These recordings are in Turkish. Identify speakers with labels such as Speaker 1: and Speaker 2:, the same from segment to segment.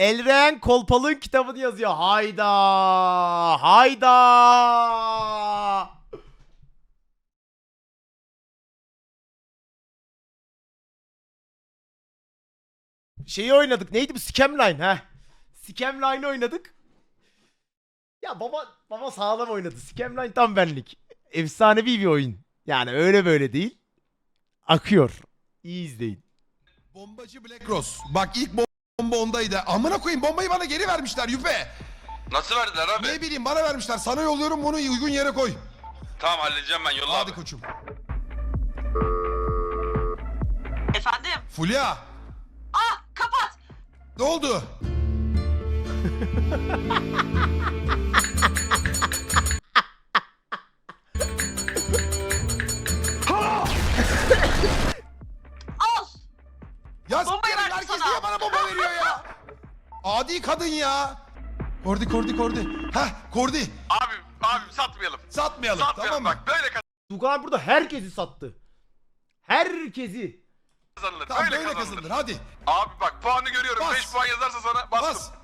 Speaker 1: Elren Kolpalık'ın kitabını yazıyor. Hayda. Hayda. Şeyi oynadık. Neydi bu? Scamline ha. Scamline oynadık. Ya baba sağlam oynadı. Scamline tam benlik. Efsanevi bir oyun. Yani öyle böyle değil. Akıyor. İyi izleyin.
Speaker 2: Bombacı Black Rose. Bak ilk bomba ondaydı. Amına koyayım, bombayı bana geri vermişler Yüpe.
Speaker 3: Nasıl verdiler abi?
Speaker 2: Ne bileyim, bana vermişler. Sana yolluyorum, bunu uygun yere koy.
Speaker 3: Tamam halledeceğim ben, yolla
Speaker 2: Hadi
Speaker 3: abi.
Speaker 2: koçum.
Speaker 4: Efendim?
Speaker 2: Fulya,
Speaker 4: Aa, kapat.
Speaker 2: ne oldu?
Speaker 4: Al.
Speaker 2: Ya
Speaker 4: Bombayı
Speaker 2: s**erim,
Speaker 4: verdi
Speaker 2: herkes
Speaker 4: sana.
Speaker 2: niye bana bomba veriyor ya? Adi kadın ya. Kordi. Heh, Kordi.
Speaker 3: Abi satmayalım.
Speaker 2: Satmayalım,
Speaker 3: Satmayalım
Speaker 2: tamam mı?
Speaker 3: bak, böyle
Speaker 1: Tugan burada herkesi sattı. Herkesi.
Speaker 3: kazanılır.
Speaker 2: Tamam,
Speaker 3: böyle
Speaker 2: böyle
Speaker 3: kazanılır.
Speaker 2: kazanılır, hadi.
Speaker 3: Abi bak, puanı görüyorum.
Speaker 2: Bas.
Speaker 3: 5 puan yazarsa sana bastım.
Speaker 2: Bas.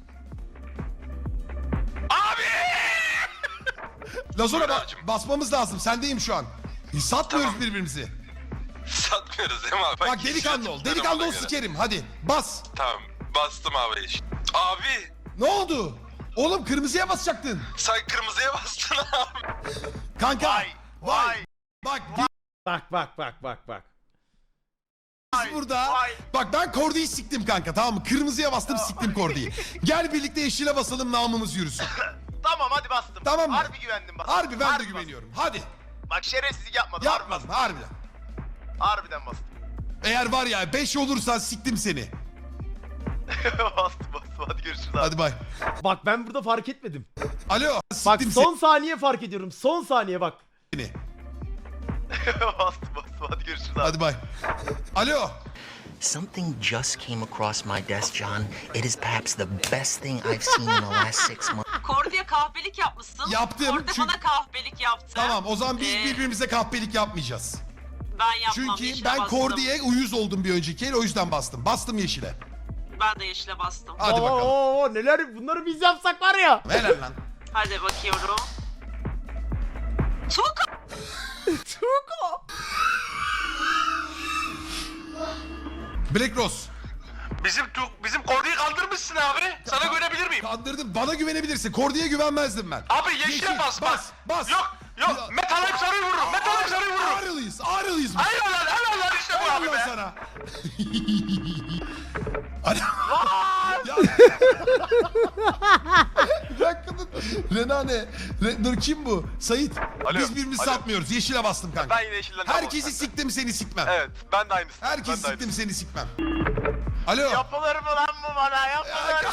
Speaker 3: Abi!
Speaker 2: Lazona
Speaker 3: Buyur abicim.
Speaker 2: basmamız lazım, sendeyim şu an. Satmıyoruz
Speaker 3: Tamam.
Speaker 2: birbirimizi.
Speaker 3: Satmıyoruz değil mi abi?
Speaker 2: Bak delikanlı ol, delikanlı ol,
Speaker 3: ona göre.
Speaker 2: sikerim, hadi bas.
Speaker 3: Tamam, bastım abi. Abi,
Speaker 2: Ne oldu? Oğlum kırmızıya basacaktın.
Speaker 3: sen kırmızıya bastın abi.
Speaker 2: Kanka.
Speaker 3: Vay.
Speaker 2: Bak
Speaker 1: Bak.
Speaker 2: biz burada. Bak ben Kordi'yi siktim kanka, tamam mı? Kırmızıya bastım, siktim Kordi'yi. Gel birlikte yeşile basalım, namımız yürüsün.
Speaker 5: Tamam hadi bastım.
Speaker 2: Tamam mı?
Speaker 5: Harbi güvendim bastım.
Speaker 2: Harbi ben de
Speaker 5: bastım.
Speaker 2: güveniyorum. Hadi.
Speaker 5: Bak şerefsizlik yapmadım.
Speaker 2: Yapmadım harbiden.
Speaker 5: Harbiden bastım.
Speaker 2: Eğer var ya 5 olursan siktim seni.
Speaker 5: bastım. Hadi görüşürüz abi.
Speaker 2: Hadi bay.
Speaker 1: Bak ben burada fark etmedim.
Speaker 2: Alo.
Speaker 1: Bak
Speaker 2: Siktim
Speaker 1: son saniye fark ediyorum. Son saniye bak.
Speaker 2: seni.
Speaker 5: bastım. Hadi görüşürüz abi.
Speaker 2: Hadi bay. Alo.
Speaker 6: Something just came across my desk, John. It is perhaps the best thing I've seen in the last 6 months.
Speaker 4: Kordi'ye kahpelik yapmışsın.
Speaker 2: Yaptım,
Speaker 4: Kordi
Speaker 2: çünkü-
Speaker 4: bana kahpelik yaptı.
Speaker 2: Tamam, o zaman biz
Speaker 4: Ee,
Speaker 2: birbirimize kahpelik yapmayacağız.
Speaker 4: Ben yapmam.
Speaker 2: Çünkü
Speaker 4: yeşile
Speaker 2: ben
Speaker 4: bastım.
Speaker 2: Kordi'ye uyuz oldum bir önceki el, o yüzden bastım. Bastım yeşile.
Speaker 4: Ben de yeşile bastım.
Speaker 2: Hadi bakalım.
Speaker 1: Neler bunları biz yapsak var ya.
Speaker 2: Helal lan.
Speaker 4: Hadi bakıyorum. Tuğka.
Speaker 1: Tuğko.
Speaker 2: Black Rose.
Speaker 3: Bizim Kordi'yi kaldırmışsın abi. Sana güvenebilir miyim?
Speaker 2: Kandırdım. Bana güvenebilirsin. Kordi'ye güvenmezdim ben.
Speaker 3: Abi yeşile bas.
Speaker 2: Bas.
Speaker 3: Yok. Metal hep sarıyı vururum. Metal hep sarıyı vururum.
Speaker 2: Ağrılıyız.
Speaker 3: Helal lan işte bu abi
Speaker 2: Helal
Speaker 3: be.
Speaker 2: sana. Hadi. Ya. Bir dakika dur. Renane. Dur kim bu? Sait.
Speaker 3: Alo,
Speaker 2: Biz birbirimizi
Speaker 3: alo.
Speaker 2: satmıyoruz. Yeşile bastım kanka.
Speaker 5: Ben yine yeşilden
Speaker 2: Herkesi siktim, seni sikmem.
Speaker 5: Evet ben de aynısın.
Speaker 2: Herkesi siktim, seni sikmem. Alo.
Speaker 5: Yapılır mı lan bu bana? Yapılır.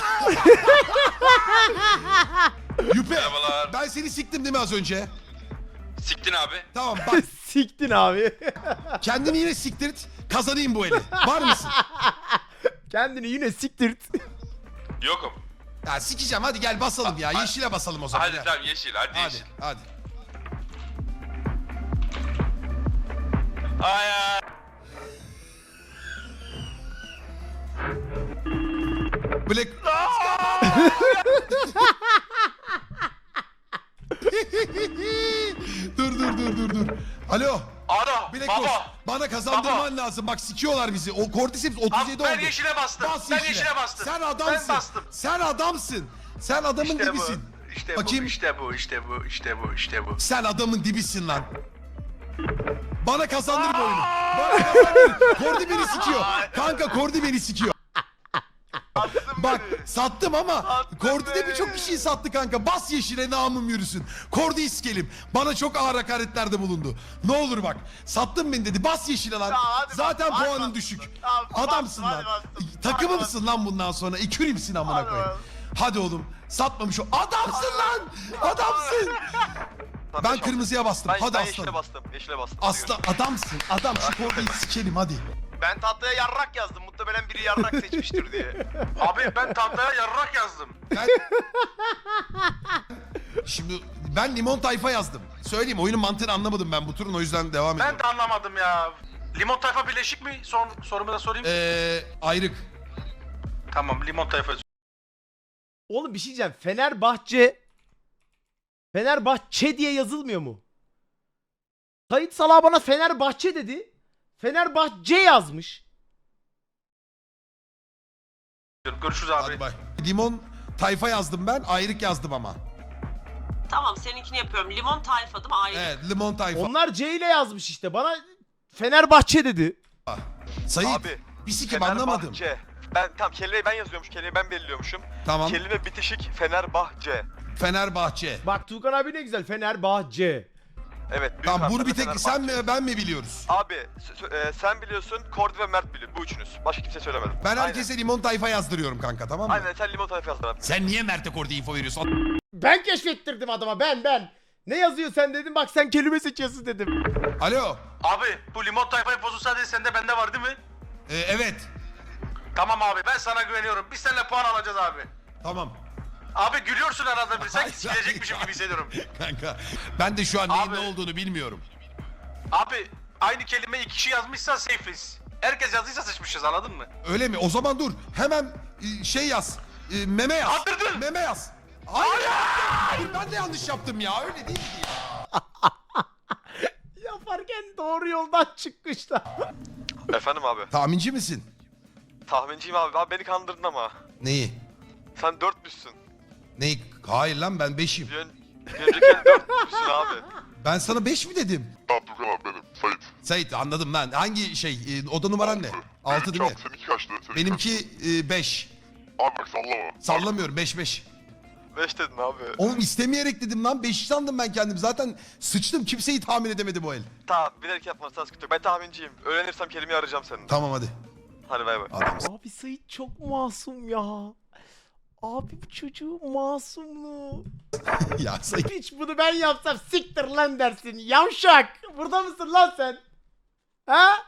Speaker 2: Yüpe.
Speaker 3: Merhabalar.
Speaker 2: Ben seni siktim değil mi az önce?
Speaker 3: Siktin abi.
Speaker 2: Tamam bak.
Speaker 1: Siktin abi.
Speaker 2: Kendini yine siktirt. Kazanayım bu eli. Var mısın?
Speaker 1: Kendini yine siktirt.
Speaker 3: Yokum.
Speaker 2: Ya sikeceğim, hadi gel basalım ya. Yeşile basalım o zaman.
Speaker 3: Hadi
Speaker 2: Gel.
Speaker 3: tamam yeşil. Hadi
Speaker 2: Hadi,
Speaker 3: yeşil.
Speaker 2: hadi.
Speaker 3: Ay.
Speaker 2: Black... dur. Alo.
Speaker 3: Ara.
Speaker 2: Black
Speaker 3: Baba.
Speaker 2: Rose, bana kazandırman lazım. Bak sikiyorlar bizi. O Cordyceps 37 oldu.
Speaker 3: Ben yeşile bastım.
Speaker 2: Bas
Speaker 3: Ben
Speaker 2: yeşile.
Speaker 3: yeşile bastım.
Speaker 2: Sen adamsın.
Speaker 3: Ben bastım.
Speaker 2: Sen adamsın. Sen adamın
Speaker 5: İşte bu.
Speaker 2: dibisin.
Speaker 5: İşte
Speaker 2: Bakayım.
Speaker 5: bu.
Speaker 2: Sen adamın dibisin lan. Bana kazandır bu oyunu. Bana kazandır. Kordi beni sikiyor. Kanka Kordi beni sikiyor.
Speaker 5: Attın
Speaker 2: Bak
Speaker 5: beni.
Speaker 2: sattım ama
Speaker 5: Attın
Speaker 2: Kordi de
Speaker 5: beni.
Speaker 2: birçok kişiyi sattı kanka. Bas yeşile, namım yürüsün. Kordi'yi sikelim. Bana çok ağır hakaretlerde bulundu. Ne olur bak. Sattın beni dedi. Bas yeşile lan.
Speaker 5: Tamam, hadi
Speaker 2: Zaten
Speaker 5: bas, hadi
Speaker 2: puanın
Speaker 5: bas.
Speaker 2: düşük.
Speaker 5: Tamam,
Speaker 2: Adamsın
Speaker 5: bas,
Speaker 2: lan.
Speaker 5: hadi bastım.
Speaker 2: Takımımsın lan bundan sonra. Ekürimsin amına
Speaker 5: Hadi
Speaker 2: koyayım.
Speaker 5: bas.
Speaker 2: Hadi oğlum. Satmamış o. Adamsın lan. Adamsın. Ben kırmızıya bastım. Hadi
Speaker 5: ben
Speaker 2: aslanım.
Speaker 5: yeşile bastım. Yeşile bastım.
Speaker 2: Aslan adamsın. Adam şu Kordi'yi sikelim hadi.
Speaker 5: Ben tahtaya yarrak yazdım. Muhtemelen biri yarrak seçmiştir diye.
Speaker 3: Abi ben tahtaya yarrak yazdım.
Speaker 2: Şimdi ben limon tayfa yazdım. Söyleyeyim, oyunun mantığını anlamadım ben bu turun, o yüzden devam ediyorum.
Speaker 3: Ben de anlamadım ya. Limon tayfa birleşik mi? Sorumu da sorayım.
Speaker 2: Ayrık.
Speaker 3: Tamam limon tayfa.
Speaker 1: Oğlum bir şey diyeceğim. Fenerbahçe diye yazılmıyor mu? Sait Salah bana Fenerbahçe dedi. Fenerbahçe yazmış.
Speaker 3: Görüşürüz abi.
Speaker 2: Hadi bay. Limon tayfa yazdım ben. Ayrık yazdım ama.
Speaker 4: Tamam seninkini yapıyorum. Limon tayfa değil mi? Ayrı.
Speaker 2: Evet limon tayfa.
Speaker 1: Onlar C ile yazmış işte. Bana Fenerbahçe dedi.
Speaker 2: Sayit
Speaker 5: Abi,
Speaker 2: bir sikim anlamadım.
Speaker 5: Fenerbahçe. Tam kelimeyi ben yazıyormuş, kelimeyi ben belirliyormuşum.
Speaker 2: Tamam.
Speaker 5: Kelime bitişik Fenerbahçe.
Speaker 2: Fenerbahçe.
Speaker 1: Bak Tuğkan abi ne güzel. Fenerbahçe.
Speaker 5: Evet. büyük
Speaker 2: Tamam bunu
Speaker 5: harflerle
Speaker 2: bir tek
Speaker 5: Fenerbahçe.
Speaker 2: sen mi ben mi biliyoruz?
Speaker 5: Abi sen biliyorsun, Kordi ve Mert biliyor. Bu üçünüz. Başka kimse söylemedim.
Speaker 2: Ben herkese limon tayfa yazdırıyorum kanka tamam mı?
Speaker 5: Aynen sen limon tayfa yazdın abi.
Speaker 2: Sen niye Mert'e Kordi info veriyorsun?
Speaker 1: Ben keşfettirdim adama. Ben. Ne yazıyor sen dedim. Bak sen kelime seçiyorsun dedim.
Speaker 2: Alo.
Speaker 3: Abi bu limon tayfa infosu sadece sende bende var değil mi?
Speaker 2: Evet.
Speaker 3: Tamam abi ben sana güveniyorum. Biz seninle puan alacağız abi.
Speaker 2: Tamam.
Speaker 3: Abi gülüyorsun arada bir. Sanki
Speaker 2: Ay,
Speaker 3: silecekmişim
Speaker 2: ay.
Speaker 3: gibi hissediyorum.
Speaker 2: Kanka ben de şu an neyin
Speaker 3: Abi.
Speaker 2: ne olduğunu bilmiyorum.
Speaker 3: Abi aynı kelimeyi iki kişi yazmışsa safe'iz. Herkes yazdıysa sıçmışız anladın mı?
Speaker 2: Öyle mi? O zaman dur. Hemen şey yaz. Meme yaz.
Speaker 3: Attırdın.
Speaker 2: Meme yaz. Hayır. Dur, ben de yanlış yaptım ya. Öyle değil ki ya.
Speaker 1: Yaparken doğru yoldan çıkmışlar.
Speaker 5: Efendim abi.
Speaker 2: Tahminci misin?
Speaker 5: Tahminciyim abi. Abi beni kandırdın ama.
Speaker 2: Neyi?
Speaker 5: Sen 4'müsün.
Speaker 2: Neyi? Hayır lan ben 5'im.
Speaker 5: Bir önceki 4'müsün abi.
Speaker 2: Ben sana 5 mi dedim?
Speaker 7: Abdülkan abi benim. Sait.
Speaker 2: Sait anladım lan. Hangi şey? Oda numaran ne? 6 değil mi?
Speaker 7: Seninki kaçtı? Seninki
Speaker 2: Benimki 5.
Speaker 7: kaçtı? Abi bak sallama.
Speaker 2: Sallamıyorum 5.
Speaker 5: 5 dedin abi.
Speaker 2: Oğlum istemeyerek dedim lan. 5 sandım ben kendim. Zaten sıçtım. Kimseyi tahmin edemedi bu el.
Speaker 5: Tamam bilerek yapmazsan sıkıntı yok. Ben tahminciyim. Öğrenirsem kelimeyi arayacağım senin.
Speaker 2: Tamam hadi.
Speaker 5: Hadi bay bay.
Speaker 2: Adamsın.
Speaker 1: Abi Sait çok masum ya. Abi bu çocuğun masumluğu.
Speaker 2: Ya Sait.
Speaker 1: Hiç bunu ben yapsam siktir lan dersin. Yavşak. Burada mısın lan sen? Ha?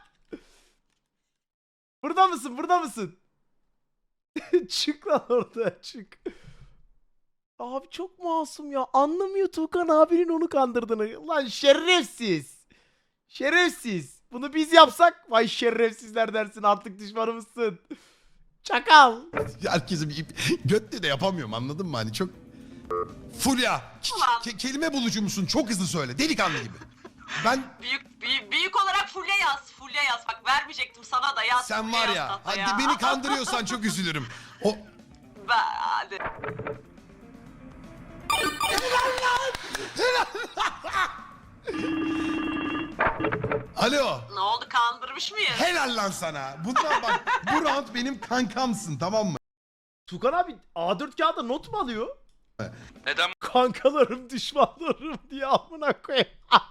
Speaker 1: Burada mısın? Burada mısın? Çık lan orada çık. Abi çok masum ya. Anlamıyor Tuğkan abinin onu kandırdığını. Lan şerefsiz. Şerefsiz. Bunu biz yapsak vay şerefsizler dersin artık düşmanımızsın. Çakal.
Speaker 2: Herkesi bir götle de yapamıyorum anladın mı hani çok. Fulya
Speaker 4: Ulan.
Speaker 2: kelime bulucu musun? Çok hızlı söyle delikanlı gibi. Ben
Speaker 4: Büyük olarak Fulya yaz. Fulya yaz. Bak vermeyecektim sana da yaz.
Speaker 2: sen
Speaker 4: Fulya
Speaker 2: var
Speaker 4: yaz
Speaker 2: ya
Speaker 4: tahtaya.
Speaker 2: hadi beni kandırıyorsan çok üzülürüm. O
Speaker 4: Hadi.
Speaker 2: alo.
Speaker 4: Ne oldu kandırmış mıyız?
Speaker 2: Helal lan sana. Bundan bak bu round benim kankamsın tamam mı?
Speaker 1: Tuğkan abi A4 kağıda not mu alıyor?
Speaker 3: Neden?
Speaker 1: Kankalarım düşmanlarım diye amına koyayım.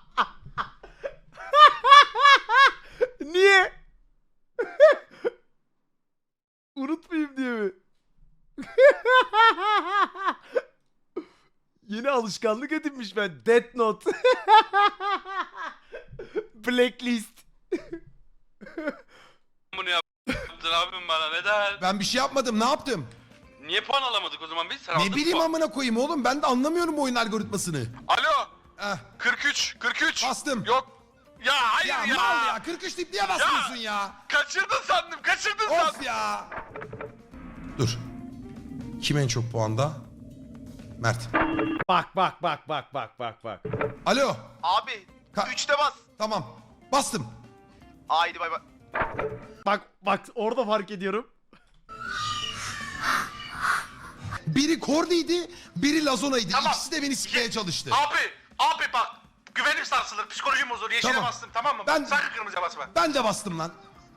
Speaker 1: Niye? Unutmayayım diye mi? Yeni alışkanlık edinmiş ben. Death Note. Blacklist.
Speaker 3: Bunu yaptın abim bana neden?
Speaker 2: Ben bir şey yapmadım ne yaptım?
Speaker 3: Niye puan alamadık o zaman biz? Sen
Speaker 2: Ne
Speaker 3: aldın
Speaker 2: bileyim
Speaker 3: puan.
Speaker 2: amına koyayım oğlum ben de anlamıyorum bu oyun algoritmasını.
Speaker 3: Alo.
Speaker 2: Eh,
Speaker 3: 43.
Speaker 2: Bastım.
Speaker 3: Yok. Ya hayır
Speaker 2: ya
Speaker 3: ya.
Speaker 2: mal ya 43 deyip niye basmıyorsun ya?
Speaker 3: Kaçırdın sandım.
Speaker 2: Of ya. Dur. Kim en çok puanda? Mert.
Speaker 1: Bak.
Speaker 2: Alo.
Speaker 5: Abi
Speaker 2: Ka-
Speaker 5: 3'te bas.
Speaker 2: Tamam. Bastım.
Speaker 5: Haydi bay bay.
Speaker 1: Bak orada fark ediyorum.
Speaker 2: Biri Kordi'ydi, biri Lazona'ydı.
Speaker 3: Tamam.
Speaker 2: İkisi de beni sikmeye çalıştı.
Speaker 3: Abi bak. Güvenim sarsılır. Psikolojim bozulur. Yeşile
Speaker 2: Tamam.
Speaker 3: bastım tamam mı?
Speaker 2: Ben-
Speaker 3: Sakın kırmızıya basma.
Speaker 2: Ben de bastım lan.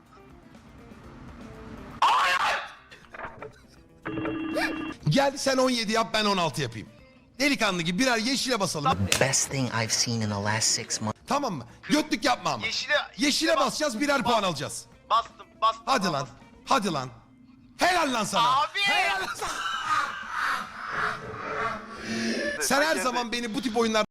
Speaker 2: Gel sen 17 yap ben 16 yapayım. Delikanlı gibi birer yeşile basalım.
Speaker 6: Best thing I've seen in the last 6 months.
Speaker 2: Tamam mı? Götlük yapma ama. Yeşile basacağız birer puan alacağız.
Speaker 5: Bastım.
Speaker 2: Hadi lan. Hadi lan. Helal lan sana.
Speaker 5: Abi.
Speaker 2: Helal lan sana. Sen her zaman beni bu tip oyunlar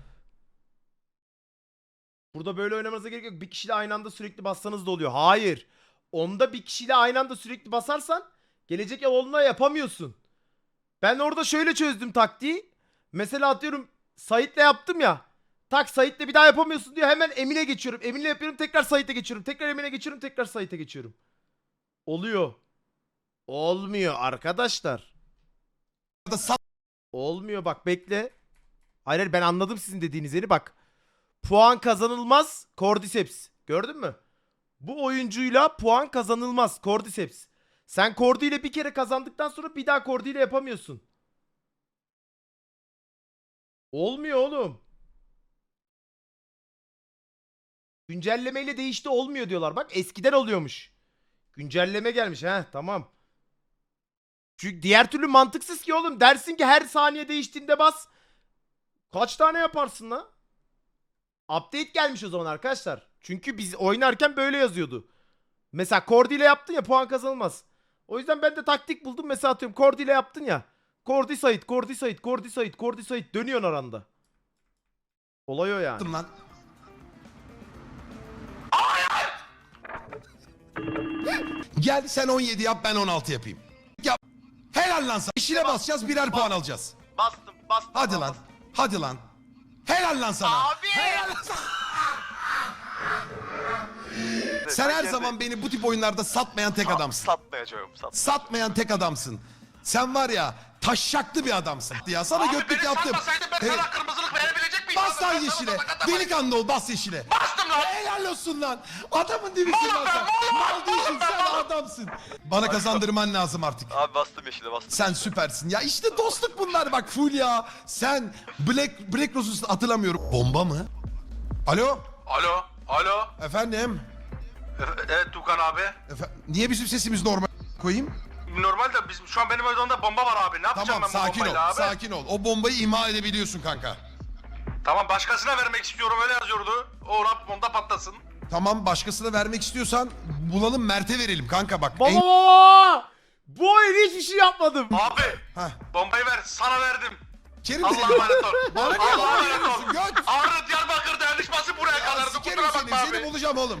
Speaker 1: Burada böyle oynamanıza gerek yok. Bir kişiyle aynı anda sürekli bassanız da oluyor. Hayır. Onda bir kişiyle aynı anda sürekli basarsan gelecek yoluna yapamıyorsun. Ben orada şöyle çözdüm taktiği. Mesela atıyorum Sait'le yaptım ya. Tak Sait'le bir daha yapamıyorsun diyor. Hemen Emin'e geçiyorum. Emin'le yapıyorum. Tekrar Sait'e geçiyorum. Tekrar Emin'e geçiyorum. Tekrar Sait'e geçiyorum. Oluyor. Olmuyor arkadaşlar. Olmuyor bak bekle. Hayır hayır, ben anladım sizin dediğiniz yeri bak. Puan kazanılmaz Cordyceps. Gördün mü? Bu oyuncuyla puan kazanılmaz Cordyceps. Sen Cordy ile bir kere kazandıktan sonra bir daha Cordy ile yapamıyorsun. Olmuyor oğlum. Güncellemeyle değişti olmuyor diyorlar. Bak eskiden oluyormuş. Güncelleme gelmiş ha tamam. Çünkü diğer türlü mantıksız ki oğlum. Dersin ki her saniye değiştiğinde bas. Kaç tane yaparsın lan? Update gelmiş o zaman arkadaşlar. Çünkü biz oynarken böyle yazıyordu. Mesela Cordy ile yaptın ya puan kazanılmaz. O yüzden ben de taktik buldum. Mesela atıyorum Cordy ile yaptın ya. Cordy Sait, Cordy Sait, Cordy Sait, Cordy Sait dönüyorsun aranda. Olay o yani.
Speaker 2: lan. Gel sen 17 yap ben 16 yapayım. Yap. Helal lan sana. Yeşile basacağız birer puan alacağız.
Speaker 5: Bastım bastım.
Speaker 2: Hadi lan. Hadi lan. Helal lan sana.
Speaker 5: Abi.
Speaker 2: Helal lan sana. Sen her zaman beni bu tip oyunlarda satmayan tek adamsın.
Speaker 5: Satmayacağım.
Speaker 2: Satmayan tek adamsın. Sen var ya taşşaklı bir adamsın ya. Sana
Speaker 3: Abi
Speaker 2: götlük
Speaker 3: beni
Speaker 2: yaptım.
Speaker 3: satmasaydın ben
Speaker 2: Evet.
Speaker 3: sana kırmızılık verebilecek miyim?
Speaker 2: Bas lan yeşile. Delikanlı ol bas yeşile.
Speaker 3: Bastım lan.
Speaker 2: Helal olsun lan. Adamın dibisin lan sen.
Speaker 3: Mal
Speaker 2: Mal değilsin sen adamsın. Bana kazandırman lazım artık.
Speaker 5: Abi bastım yeşile bastım.
Speaker 2: Sen süpersin. Ya işte dostluk bunlar bak full ya. Sen Black Rose'u hatırlamıyorum. Bomba mı? Alo?
Speaker 3: Alo. Alo.
Speaker 2: Efendim?
Speaker 3: Evet Tukan abi.
Speaker 2: Niye bizim sesimiz normal koyayım?
Speaker 3: Normalde bizim şu an benim odamda bomba var abi. Ne yapacağım
Speaker 2: Tamam
Speaker 3: ben bu
Speaker 2: sakin ol.
Speaker 3: bombayla abi?
Speaker 2: Sakin ol. O bombayı imha edebiliyorsun kanka.
Speaker 3: Tamam başkasına vermek istiyorum öyle yazıyordu. O rap onda patlasın.
Speaker 2: Tamam başkasına vermek istiyorsan bulalım Mert'e verelim kanka bak.
Speaker 1: Baba! Bu oyun hiçbir şey yapmadım.
Speaker 3: Abi
Speaker 2: Heh.
Speaker 3: bombayı ver sana verdim.
Speaker 2: Kerim
Speaker 3: Allah'a emanet ol.
Speaker 2: Bana niye
Speaker 3: Allah'a
Speaker 2: bomba
Speaker 3: emanet
Speaker 2: veriyorsun?
Speaker 3: ol.
Speaker 2: Göt!
Speaker 3: Ağrı Diyarbakır dayanışması buraya
Speaker 2: Ya
Speaker 3: kadardı.
Speaker 2: sikerim
Speaker 3: Kusura
Speaker 2: seni.
Speaker 3: bakma
Speaker 2: Seni
Speaker 3: abi.
Speaker 2: bulacağım oğlum.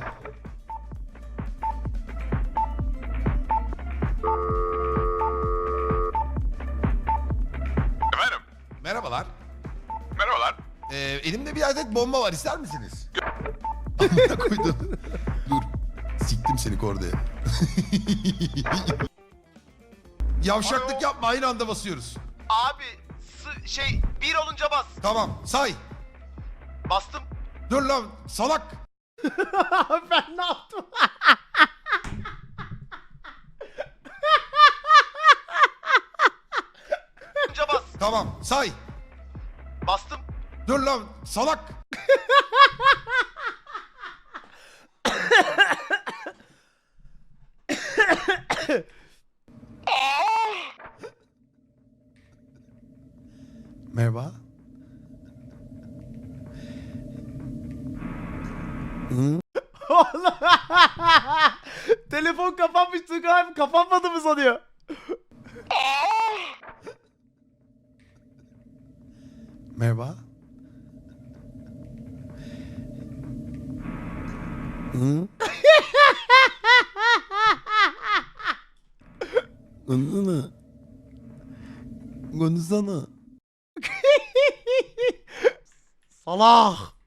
Speaker 3: Efendim?
Speaker 2: Merhabalar.
Speaker 3: Merhabalar.
Speaker 2: Elimde bir adet bomba var. İster misiniz? Amına koydum. Dur. Siktim seni kordaya. Yavşaklık
Speaker 5: Alo.
Speaker 2: yapma. Aynı anda basıyoruz.
Speaker 5: Abi bir olunca bas.
Speaker 2: Tamam. Say.
Speaker 5: Bastım.
Speaker 2: Dur lan. Salak.
Speaker 1: Ben ne yaptım?
Speaker 5: Olunca bas.
Speaker 2: Tamam. Say.
Speaker 5: Bastım.
Speaker 2: Dur lan. Salak. Merhaba.
Speaker 1: Telefon kapanmış Tugan abi kapanmadı mı sanıyor?
Speaker 2: Merhaba. Konuşsana. Konuşsana.
Speaker 1: Salah.